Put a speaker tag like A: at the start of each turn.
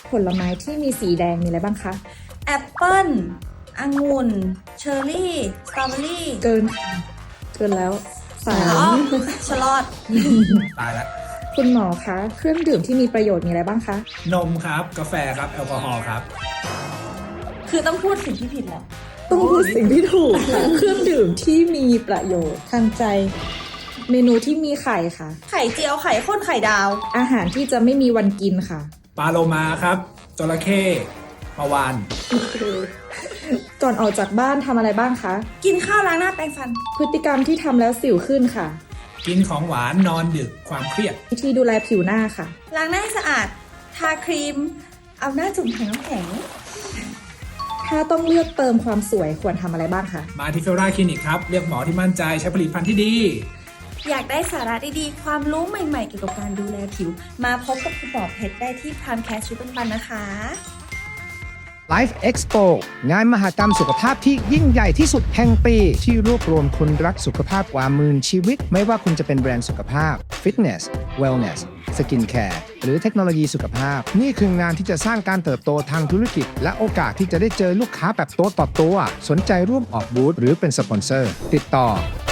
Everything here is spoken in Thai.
A: ผลไม้ที่มีสีแดงมีอะไรบ้างคะ
B: แอปเปิ้ลองุ่นเชอร์รี่สตรอเบอรี่
A: เกินค่ะเกินแล้วสา
B: อ๋อ
A: ม
B: ชะลอด
C: ตายละ
A: คุณหมอคะเครื่องดื่มที่มีประโยชน์มีอะไรบ้างคะ
C: นมครับกาแฟครับแอลกอฮอล์ครับ
B: คือต้องพูดสิ่งที่ผิดแล้ว
A: ต้องพูดสิ่งที่ถูกค่ะ เครื่องดื่มที่มีประโยชน์ทางใจ เมนูที่มีไข่ค่ะ
B: ไข่เจียวไข่ข้นไข่ดาว
A: อาหารที่จะไม่มีวันกินค่ะ
C: ปลาโลมาครับจระเข้ปลาวาน
A: ก่อนออกจากบ้านทำอะไรบ้างคะ
B: กินข้าวล้างหน้าแปรงฟัน
A: พฤติกรรมที่ทำแล้วสิวขึ้นค่ะ
C: กินของหวานนอนดึกความเครียด
A: วิธีดูแลผิวหน้าค่ะ
B: ล้างหน้าให้สะอาด ทาครีม เอาหน้าจุ่มถังน้ำแข็ง
A: ถ้าต้องเลือกเติมความสวยควรทำอะไรบ้างคะ
C: มาที่เฟลราคลินิกครับเลือกหมอที่มั่นใจใช้ผลิตภัณฑ์ที่ดี
B: อยากได้สาระดีๆ ความรู้ใหม่ๆ เกี่ยวกับการดูแลผิว มาพบกับคุณหมอเพชรได้ที่ Primecare ชุดปันๆนะคะ
D: Life Expo งานมหกรรมสุขภาพที่ยิ่งใหญ่ที่สุดแห่งปี ที่รวบรวมคนรักสุขภาพกว่าหมื่นชีวิต ไม่ว่าคุณจะเป็นแบรนด์สุขภาพ Fitness Wellness Skin Care หรือเทคโนโลยีสุขภาพ นี่คืองานที่จะสร้างการเติบโตทางธุรกิจ และโอกาสที่จะได้เจอลูกค้าแบบตัวต่อตัว สนใจร่วมออกบูธหรือเป็นสปอนเซอร์ ติดต่อ